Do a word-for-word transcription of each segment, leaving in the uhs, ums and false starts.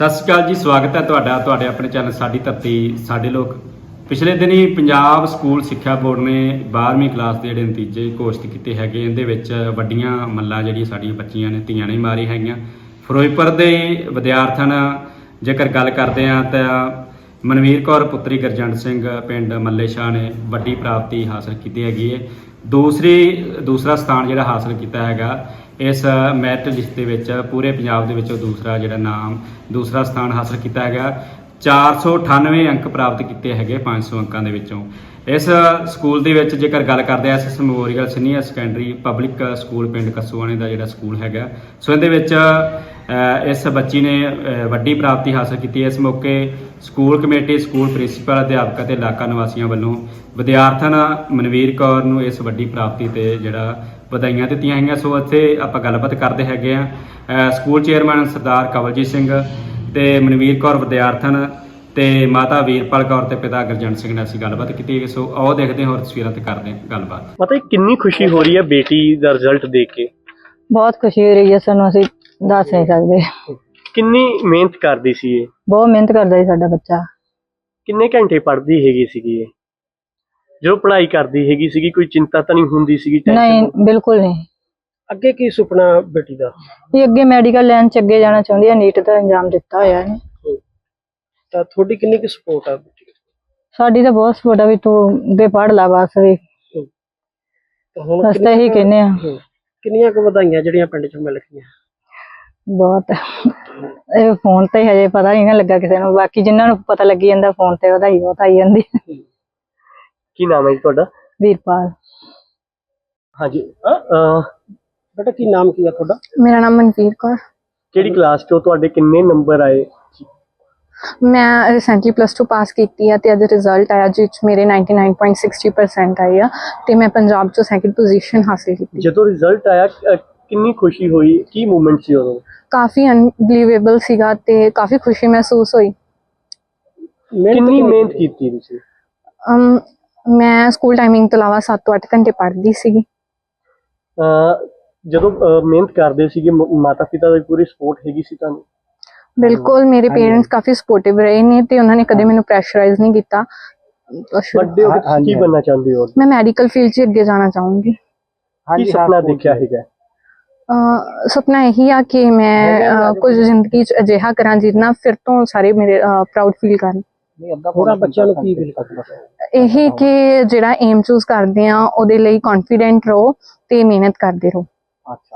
ਸਤਿ ਸ਼੍ਰੀ ਅਕਾਲ ਜੀ, ਸਵਾਗਤ ਹੈ ਤੁਹਾਡਾ ਤੁਹਾਡੇ ਆਪਣੇ ਚੈਨਲ ਸਾਡੀ ਧਰਤੀ ਸਾਡੇ ਲੋਕ। ਪਿਛਲੇ ਦਿਨੀ ਪੰਜਾਬ ਸਕੂਲ ਸਿੱਖਿਆ ਬੋਰਡ ਨੇ ਬਾਰ੍ਹਵੀਂ ਕਲਾਸ ਦੇ ਜਿਹੜੇ ਨਤੀਜੇ ਘੋਸ਼ਿਤ ਕੀਤੇ ਹੈਗੇ। ਇਹਦੇ ਵਿੱਚ ਵੱਡੀਆਂ ਮੱਲਾਂ ਜਿਹੜੀਆਂ ਸਾਡੀਆਂ ਬੱਚੀਆਂ ਨੇ ਧੀਆਂ ਨੇ ਮਾਰੀ ਹੈਗੀਆਂ। ਫਿਰੋਜ਼ਪੁਰ ਦੇ ਵਿਦਿਆਰਥਣ ਜੇਕਰ ਗੱਲ ਕਰਦੇ ਹਾਂ ਤਾਂ ਮਨਵੀਰ ਕੌਰ ਪੁੱਤਰੀ ਗੁਰਜੰਟ ਸਿੰਘ ਪਿੰਡ ਮੱਲੇ ਸ਼ਾਹ ਨੇ ਵੱਡੀ ਪ੍ਰਾਪਤੀ ਹਾਸਲ ਕੀਤੀ ਹੈਗੀ ਹੈ। ਦੂਸਰੀ ਦੂਸਰਾ ਸਥਾਨ ਜਿਹੜਾ ਹਾਸਲ ਕੀਤਾ ਹੈਗਾ ਇਸ ਮੈਰਿਟ ਲਿਸਟ ਦੇ ਵਿੱਚ ਪੂਰੇ ਪੰਜਾਬ ਦੇ ਵਿੱਚੋਂ ਦੂਸਰਾ ਜਿਹੜਾ ਨਾਮ ਦੂਸਰਾ ਸਥਾਨ ਹਾਸਲ ਕੀਤਾ ਹੈਗਾ। ਚਾਰ ਸੌ ਅਠਾਨਵੇਂ ਅੰਕ ਪ੍ਰਾਪਤ ਕੀਤੇ ਹੈਗੇ ਪੰਜ ਸੌ ਅੰਕਾਂ ਦੇ ਵਿੱਚੋਂ। ਇਸ ਸਕੂਲ ਦੇ ਵਿੱਚ ਜੇਕਰ ਗੱਲ ਕਰਦੇ ਹਾਂ S S memorial senior secondary public school ਪਿੰਡ ਕੱਸੂਆਣੇ ਦਾ ਜਿਹੜਾ ਸਕੂਲ ਹੈਗਾ, ਸੋ ਇਹਦੇ ਵਿੱਚ ਇਸ ਬੱਚੀ ਨੇ ਵੱਡੀ ਪ੍ਰਾਪਤੀ ਹਾਸਲ ਕੀਤੀ। ਇਸ ਮੌਕੇ ਸਕੂਲ ਕਮੇਟੀ, ਸਕੂਲ ਪ੍ਰਿੰਸੀਪਲ, ਅਧਿਆਪਕ ਅਤੇ ਇਲਾਕਾ ਨਿਵਾਸੀਆਂ ਵੱਲੋਂ ਵਿਦਿਆਰਥਣ ਮਨਵੀਰ ਕੌਰ ਨੂੰ ਇਸ ਵੱਡੀ ਪ੍ਰਾਪਤੀ ਤੇ ਜਿਹੜਾ ਵਧਾਈਆਂ ਦਿੱਤੀਆਂ ਹੈਗੀਆਂ। ਸੋ ਇੱਥੇ ਆਪਾਂ ਗੱਲਬਾਤ ਕਰਦੇ ਹੈਗੇ ਆ ਸਕੂਲ ਚੇਅਰਮੈਨ ਸਰਦਾਰ ਕਵਲਜੀਤ ਸਿੰਘ ਤੇ ਮਨਵੀਰ ਕੌਰ ਵਿਦਿਆਰਥਣ ਤੇ ਮਾਤਾ ਵੀਰਪਾਲ ਕੌਰ ਤੇ ਪਿਤਾ ਗੁਰਜੰਟ ਸਿੰਘ ਨਾਲ ਅਸੀਂ ਗੱਲਬਾਤ ਕੀਤੀ। ਸੋ ਆਓ ਦੇਖਦੇ ਹਾਂ ਹੋਰ ਤਸਵੀਰਾਂ ਤੇ ਕਰਦੇ ਹਾਂ ਗੱਲਬਾਤ। ਪਤਾ ਕਿੰਨੀ ਖੁਸ਼ੀ ਹੋ ਰਹੀ ਹੈ ਬੇਟੀ ਦਾ ਰਿਜ਼ਲਟ ਦੇਖ ਕੇ? ਬਹੁਤ ਖੁਸ਼ੀ ਹੋ ਰਹੀ ਹੈ ਸਾਨੂੰ, ਅਸੀਂ ਦੱਸ ਨਹੀਂ ਸਕਦੇ। ਕਿੰਨੀ ਮਿਹਨਤ ਕਰਦੀ ਸੀ ਇਹ? ਬਹੁਤ ਮਿਹਨਤ ਕਰਦਾ ਸੀ ਸਾਡਾ ਬੱਚਾ। ਕਿੰਨੇ ਘੰਟੇ ਪੜ੍ਹਦੀ ਹੈਗੀ ਸੀਗੀ ਇਹ? ਜਦੋਂ ਪੜ੍ਹਾਈ ਕਰਦੀ ਹੈਗੀ ਸੀਗੀ ਕੋਈ ਚਿੰਤਾ ਤਾਂ ਨਹੀਂ ਹੁੰਦੀ ਸੀਗੀ? ਨਹੀਂ, ਬਿਲਕੁਲ ਨਹੀਂ। ਅੱਗੇ ਕੀ ਸੁਪਨਾ ਬੇਟੀ ਦਾ? ਇਹ ਅੱਗੇ ਮੈਡੀਕਲ ਲਾਈਨ ਚ ਅੱਗੇ ਜਾਣਾ ਚਾਹੁੰਦੀ ਹੈ, ਨੀਟ ਦਾ ਇੰਜਾਮ ਦਿੱਤਾ ਹੋਇਆ ਹੈ। ਤਾਂ ਤੁਹਾਡੀ ਕਿੰਨੀ ਕੁ ਸਪੋਰਟ ਆ ਬੇਟੀ? ਸਾਡੀ ਤਾਂ ਬਹੁਤ ਸਪੋਰਟ ਆ ਵੀ ਤੂੰ ਅੱਗੇ ਪੜ੍ਹ ਲਾ ਬਸ ਵੀ। ਤਾਂ ਹੁਣ ਅਸੀਂ ਤਾਂ ਇਹੀ ਕਹਿੰਦੇ ਆ। ਕਿੰਨੀਆਂ ਕੁ ਵਧਾਈਆਂ ਜਿਹੜੀਆਂ ਪਿੰਡ ਚ ਮਿਲ ਗਈਆਂ? ਬਹੁਤ। ਇਹ ਫੋਨ ਤੇ ਹਜੇ ਪਤਾ ਨਹੀਂ ਨਾ ਲੱਗਾ ਕਿਸੇ ਨੂੰ, ਬਾਕੀ ਜਿਨ੍ਹਾਂ ਨੂੰ ਪਤਾ ਲੱਗੀ ਜਾਂਦਾ ਫੋਨ ਤੇ ਵਧਾਈ ਬਹੁਤ ਆਈ ਜਾਂਦੀ। ਕੀ ਨਾਮ ਹੈ ਜੀ ਤੁਹਾਡਾ? ਵੀਰਪਾਲ। ਹਾਂਜੀ ਬੇਟਾ ਕੀ ਨਾਮ ਕੀ ਆ ਤੁਹਾਡਾ? ਮੇਰਾ ਨਾਮ ਮਨਵੀਰ ਕੌਰ। ਕਿਹੜੀ ਕਲਾਸ ਚੋਂ? ਤੁਹਾਡੇ ਕਿੰਨੇ ਨੰਬਰ ਆਏ? ਮੈਂ ਰੀਸੈਂਟਲੀ ਪਲੱਸ ਟੂ ਪਾਸ ਕੀਤੀ ਆ ਤੇ ਅੱਜ ਰਿਜ਼ਲਟ ਆਇਆ ਜਿਸ 'ਚ ਮੇਰੇ ninety nine point six zero percent ਆਏ ਆ ਤੇ ਮੈਂ ਪੰਜਾਬ 'ਚੋਂ ਸੈਕਿੰਡ ਪੋਜੀਸ਼ਨ ਹਾਸਿਲ ਕੀਤੀ। ਜਦੋਂ ਰਿਜ਼ਲਟ ਆਇਆ ਕਿੰਨੀ ਖੁਸ਼ੀ ਹੋਈ? ਕੀ ਮੂਵਮੈਂਟ ਸੀ ਉਦੋਂ? ਕਾਫੀ ਅਨਬਲੀਵੇਬਲ ਸੀਗਾ ਤੇ ਕਾਫੀ ਖੁਸ਼ੀ ਮਹਿਸੂਸ ਹੋਈ। ਕਿੰਨੀ ਮਿਹਨਤ ਕੀਤੀ ਤੁਸੀਂ? ਅਮ ਮੈਂ ਸਕੂਲ ਟਾਈਮਿੰਗ ਤੋਂ ਇਲਾਵਾ ਸੱਤ ਤੋਂ ਅੱਠ ਘੰਟੇ ਪੜ੍ਹਦੀ ਸੀਗੀ। ਜਦੋਂ ਮਿਹਨਤ ਕਰਦੇ ਸੀਗੇ ਮਾਤਾ ਪਿਤਾ ਦੀ ਪੂਰੀ ਸਪੋਰਟ ਹੈਗੀ ਸੀ ਤੁਹਾਨੂੰ? ਬਿਲਕੁਲ, ਮੇਰੇ ਪੇਰੈਂਟਸ ਕਾਫੀ ਸਪੋਰਟਿਵ ਰਹੇ ਨੇ ਤੇ ਉਹਨਾਂ ਨੇ ਕਦੇ ਮੈਨੂੰ ਪ੍ਰੈਸ਼ਰਾਈਜ਼ ਨਹੀਂ ਕੀਤਾ। ਵੱਡੇ ਹੋ ਕੇ ਕੀ ਬਣਨਾ ਚਾਹੁੰਦੇ ਹੋ? ਮੈਂ ਮੈਡੀਕਲ ਫੀਲਡ 'ਚ ਅੱਗੇ ਜਾਣਾ ਚਾਹੂੰਗੀ। ਕੀ ਸੁਪਨਾ ਦੇਖਿਆ ਹੈਗਾ? ਸੁਪਨਾ ਇਹੀ ਆ ਕਿ ਮੈਂ ਕੁਝ ਜ਼ਿੰਦਗੀ 'ਚ ਅਜਿਹਾ ਕਰਾਂ ਜਿਹਦੇ ਨਾਲ ਫਿਰ ਤੋਂ ਸਾਰੇ ਮੇਰੇ ਪ੍ਰਾਊਡ ਫੀਲ ਕਰਨ। ਹੋਰਾਂ ਬੱਚਿਆਂ ਨੂੰ ਕੀ ਫੀਲ ਕਰਦਾ? ਇਹ ਕਿ ਜਿਹੜਾ ਏਮ ਚੂਜ਼ ਕਰਦੇ ਆ ਉਹਦੇ ਲਈ ਕੌਨਫੀਡੈਂਟ ਰਹੋ ਤੇ ਮਿਹਨਤ ਕਰਦੇ ਰਹੋ। ਅੱਛਾ,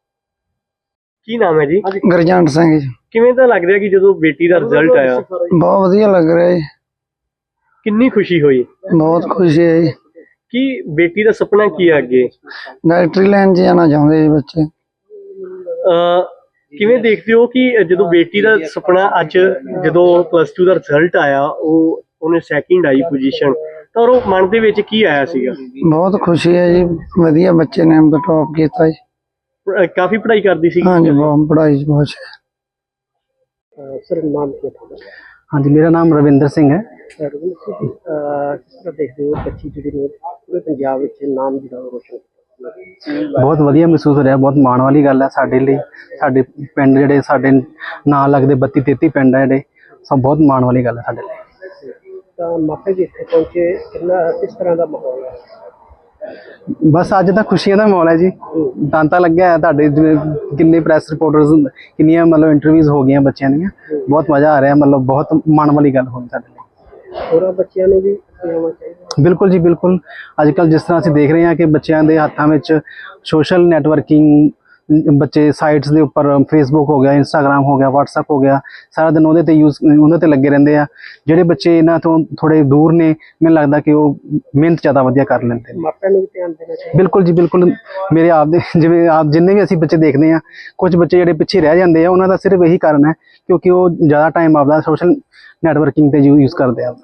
ਕੀ ਨਾਮ ਹੈ ਜੀ? ਗੁਰਜੰਟ ਸਿੰਘ ਜੀ। ਕਿਵੇਂ ਤਾਂ ਲੱਗ ਰਿਹਾ ਕਿ ਜਦੋਂ ਬੇਟੀ ਦਾ ਰਿਜ਼ਲਟ ਆਇਆ? ਬਹੁਤ ਵਧੀਆ ਲੱਗ ਰਿਹਾ ਜੀ। ਕਿੰਨੀ ਖੁਸ਼ੀ ਹੋਈ? ਬਹੁਤ ਖੁਸ਼ੀ ਹੈ ਜੀ। ਕੀ ਬੇਟੀ ਦਾ ਸੁਪਨਾ ਕੀ ਹੈ ਅੱਗੇ? ਡਾਕਟਰੀ ਲਾਈਨ 'ਚ ਜਾਣਾ ਚਾਹੁੰਦੇ ਜੀ ਬੱਚੇ। ਅਹ ਕਿਵੇਂ ਦੇਖਦੇ ਹੋ ਕਿ ਜਦੋਂ ਬੇਟੀ ਦਾ ਸੁਪਨਾ ਅੱਜ ਜਦੋਂ ਪਲੱਸ ਟੂ ਦਾ ਰਿਜ਼ਲਟ ਆਇਆ ਉਹ ਉਹਨੇ ਸੈਕਿੰਡ ਆਈ ਪੋਜੀਸ਼ਨ, ਤਾਂ ਉਹ ਮਨ ਦੇ ਵਿੱਚ ਕੀ ਆਇਆ ਸੀਗਾ? ਬਹੁਤ ਖੁਸ਼ੀ ਹੈ ਜੀ, ਵਧੀਆ ਬੱਚੇ ਨੇ ਟੌਪ ਕੀਤਾ ਜੀ। ਕਾਫੀ ਪੜ੍ਹਾਈ ਕਰਦੀ ਸੀ? ਹਾਂਜੀ, ਬਹੁਤ ਪੜ੍ਹਾਈ ਬਹੁਤ ਹੈ। ਸਰ ਨਾਮ ਕੀ ਹੈ ਤੁਹਾਡਾ? ਹਾਂਜੀ, ਮੇਰਾ ਨਾਮ ਰਵਿੰਦਰ ਸਿੰਘ ਹੈ। ਰਵਿੰਦਰ ਸਿੰਘ, ਕਿਸ ਤਰ੍ਹਾਂ ਦੇਖਦੇ ਹੋ ਬੱਚੀ ਜਿਹੜੀ ਨੇ ਪੂਰੇ ਪੰਜਾਬ ਵਿੱਚ ਨਾਮ ਜਿਹੜਾ ਰੋਸ਼ਨ? ਬਹੁਤ ਵਧੀਆ ਮਹਿਸੂਸ ਹੋ ਰਿਹਾ, ਬਹੁਤ ਮਾਣ ਵਾਲੀ ਗੱਲ ਹੈ ਸਾਡੇ ਲਈ। ਸਾਡੇ ਪਿੰਡ ਜਿਹੜੇ ਸਾਡੇ ਨਾਲ ਲੱਗਦੇ ਬੱਤੀ ਤੇਤੀ ਪਿੰਡ ਹੈ ਜਿਹੜੇ, ਸਭ ਬਹੁਤ ਮਾਣ ਵਾਲੀ ਗੱਲ ਹੈ ਸਾਡੇ ਲਈ। ਤਾਂ ਮਾਪੇ ਜੀ ਇੱਥੇ ਪਹੁੰਚੇ, ਕਿੰਨਾ ਕਿਸ ਤਰ੍ਹਾਂ ਦਾ ਮਾਹੌਲ ਹੈ? ਬਸ ਅੱਜ ਤਾਂ ਖੁਸ਼ੀਆਂ ਦਾ ਮਾਹੌਲ ਹੈ ਜੀ। ਤਾਂਤਾ ਲੱਗਿਆ ਹੈ ਤੁਹਾਡੇ ਜਿਵੇਂ ਕਿੰਨੇ ਪ੍ਰੈਸ ਰਿਪੋਰਟਰਸ, ਕਿੰਨੀਆਂ ਮਤਲਬ ਇੰਟਰਵਿਊਜ਼ ਹੋ ਗਈਆਂ ਬੱਚਿਆਂ ਦੀਆਂ। ਬਹੁਤ ਮਜ਼ਾ ਆ ਰਿਹਾ, ਮਤਲਬ ਬਹੁਤ ਮਾਣ ਵਾਲੀ ਗੱਲ ਹੋਈ ਸਾਡੇ ਲਈ। ਹੋਰਾਂ ਬੱਚਿਆਂ ਨੂੰ ਵੀ ਆਉਣਾ ਚਾਹੀਦਾ? ਬਿਲਕੁਲ ਜੀ, ਬਿਲਕੁਲ। ਅੱਜ ਕੱਲ੍ਹ ਜਿਸ ਤਰ੍ਹਾਂ ਅਸੀਂ ਦੇਖ ਰਹੇ ਹਾਂ ਕਿ ਬੱਚਿਆਂ ਦੇ ਹੱਥਾਂ ਵਿੱਚ ਸੋਸ਼ਲ ਨੈਟਵਰਕਿੰਗ, ਬੱਚੇ ਸਾਈਟਸ ਦੇ ਉੱਪਰ ਫੇਸਬੁੱਕ ਹੋ ਗਿਆ, ਇੰਸਟਾਗ੍ਰਾਮ ਹੋ ਗਿਆ, ਵਟਸਐਪ ਹੋ ਗਿਆ, ਸਾਰਾ ਦਿਨ ਉਹਦੇ ਤੇ ਯੂਜ਼ ਉਹਨਾਂ ਤੇ ਲੱਗੇ ਰਹਿੰਦੇ ਆ। ਜਿਹੜੇ ਬੱਚੇ ਇਹਨਾਂ ਤੋਂ ਥੋੜ੍ਹੇ ਦੂਰ ਨੇ, ਮੈਨੂੰ ਲੱਗਦਾ ਕਿ ਉਹ ਮਿਹਨਤ ਜ਼ਿਆਦਾ ਵਧੀਆ ਕਰ ਲੈਂਦੇ ਨੇ। ਮਾਪਿਆਂ ਨੂੰ ਵੀ ਧਿਆਨ ਦੇਣਾ ਚਾਹੀਦਾ? ਬਿਲਕੁਲ ਜੀ, ਬਿਲਕੁਲ। ਮੇਰੇ ਆਪ ਦੇ ਜਿਵੇਂ ਆਪ ਜਿੰਨੇ ਵੀ ਅਸੀਂ ਬੱਚੇ ਦੇਖਦੇ ਹਾਂ, ਕੁਝ ਬੱਚੇ ਜਿਹੜੇ ਪਿੱਛੇ ਰਹਿ ਜਾਂਦੇ ਆ, ਉਹਨਾਂ ਦਾ ਸਿਰਫ ਇਹੀ ਕਾਰਨ ਹੈ ਕਿਉਂਕਿ ਉਹ ਜ਼ਿਆਦਾ ਟਾਈਮ ਆਪਦਾ ਸੋਸ਼ਲ ਨੈਟਵਰਕਿੰਗ ਤੇ ਯੂਜ਼ ਕਰਦੇ ਆ।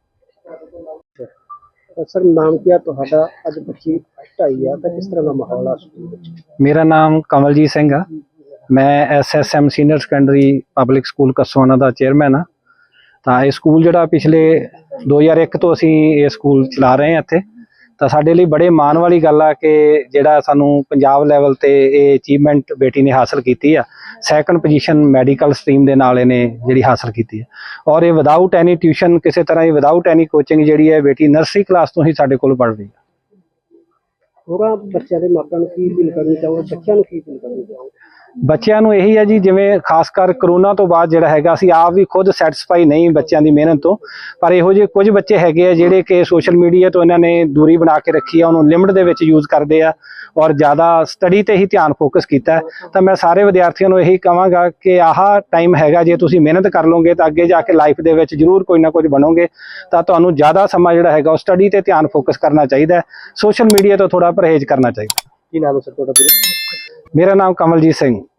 ਸਰ ਨਾਮ ਕੀ ਆ ਤੁਹਾਡਾ? ਅੱਜ ਬੱਚੀ ਫਸਟ ਆਈ ਆ ਤਾਂ ਕਿਸ ਤਰ੍ਹਾਂ ਦਾ ਮਾਹੌਲ ਆ ਸਕੂਲ ਵਿੱਚ? ਮੇਰਾ ਨਾਮ ਕਮਲਜੀਤ ਸਿੰਘ ਆ। ਮੈਂ S S M senior secondary public school Kassuana ਦਾ ਚੇਅਰਮੈਨ ਆ। ਤਾਂ ਇਹ ਸਕੂਲ ਜਿਹੜਾ ਪਿਛਲੇ ਦੋ ਹਜ਼ਾਰ ਇੱਕ ਤੋਂ ਅਸੀਂ ਇਹ ਸਕੂਲ ਚਲਾ ਰਹੇ ਹਾਂ ਇੱਥੇ, ਤਾਂ ਸਾਡੇ ਲਈ ਬੜੇ ਮਾਣ ਵਾਲੀ ਗੱਲ ਆ ਕਿ ਜਿਹੜਾ ਸਾਨੂੰ ਪੰਜਾਬ ਲੈਵਲ ਤੇ ਇਹ ਅਚੀਵਮੈਂਟ ਬੇਟੀ ਨੇ ਹਾਸਲ ਕੀਤੀ ਆ। ਸੈਕੰਡ ਪੋਜੀਸ਼ਨ ਮੈਡੀਕਲ ਸਟਰੀਮ ਦੇ ਨਾਲ ਇਹਨੇ ਜਿਹੜੀ ਹਾਸਲ ਕੀਤੀ ਹੈ, ਔਰ ਇਹ ਵਿਦਆਊਟ ਐਨੀ ਟਿਊਸ਼ਨ, ਕਿਸੇ ਤਰ੍ਹਾਂ ਦੀ ਵਿਦਆਊਟ ਐਨੀ ਕੋਚਿੰਗ ਜਿਹੜੀ ਹੈ ਬੇਟੀ ਨਰਸਰੀ ਕਲਾਸ ਤੋਂ ਹੀ ਸਾਡੇ ਕੋਲ ਪੜ੍ਹ ਰਹੀ ਹੈ। ਹੋਰਾਂ ਬੱਚਿਆਂ ਦੇ ਮਾਪਿਆਂ ਨੂੰ ਕੀ ਅਪੀਲ ਕਰਨੀ ਚਾਹੋਗੇ, ਬੱਚਿਆਂ ਨੂੰ ਕੀ ਅਪੀਲ ਕਰਨੀ ਚਾਹੋਗੇ? ਬੱਚਿਆਂ ਨੂੰ ਇਹੀ ਹੈ ਜੀ, ਜਿਵੇਂ ਖਾਸ ਕਰ ਕਰੋਨਾ ਤੋਂ ਬਾਅਦ ਜਿਹੜਾ ਹੈਗਾ, ਅਸੀਂ ਆਪ ਵੀ ਖੁਦ ਸੈਟੀਸਫਾਈ ਨਹੀਂ ਬੱਚਿਆਂ ਦੀ ਮਿਹਨਤ ਤੋਂ, ਪਰ ਇਹੋ ਜਿਹੇ ਕੁਝ ਬੱਚੇ ਹੈਗੇ ਆ ਜਿਹੜੇ ਕਿ ਸੋਸ਼ਲ ਮੀਡੀਆ ਤੋਂ ਇਹਨਾਂ ਨੇ ਦੂਰੀ ਬਣਾ ਕੇ ਰੱਖੀ ਆ, ਉਹਨੂੰ ਲਿਮਟ ਦੇ ਵਿੱਚ ਯੂਜ਼ ਕਰਦੇ ਆ ਔਰ ਜ਼ਿਆਦਾ ਸਟੱਡੀ ਤੇ ਹੀ ਧਿਆਨ ਫੋਕਸ ਕੀਤਾ ਹੈ। ਤਾਂ ਮੈਂ ਸਾਰੇ ਵਿਦਿਆਰਥੀਆਂ ਨੂੰ ਇਹੀ ਕਹਾਂਗਾ ਕਿ ਆਹ ਟਾਈਮ ਹੈਗਾ, ਜੇ ਤੁਸੀਂ ਮਿਹਨਤ ਕਰ ਲਓਗੇ ਤਾਂ ਅੱਗੇ ਜਾ ਕੇ ਲਾਈਫ ਦੇ ਵਿੱਚ ਜ਼ਰੂਰ ਕੋਈ ਨਾ ਕੁਝ ਬਣੋਗੇ। ਤਾਂ ਤੁਹਾਨੂੰ ਜ਼ਿਆਦਾ ਸਮਾਂ ਜਿਹੜਾ ਹੈਗਾ ਉਹ ਸਟੱਡੀ ਤੇ ਧਿਆਨ ਫੋਕਸ ਕਰਨਾ ਚਾਹੀਦਾ ਹੈ, ਸੋਸ਼ਲ ਮੀਡੀਆ ਤੋਂ ਥੋੜਾ ਪਰਹੇਜ਼ ਕਰਨਾ ਚਾਹੀਦਾ। ਕੀ ਨਾਮ ਹੈ ਸਰ ਤੁਹਾਡਾ? ਮੇਰਾ ਨਾਮ ਕਮਲਜੀਤ ਸਿੰਘ।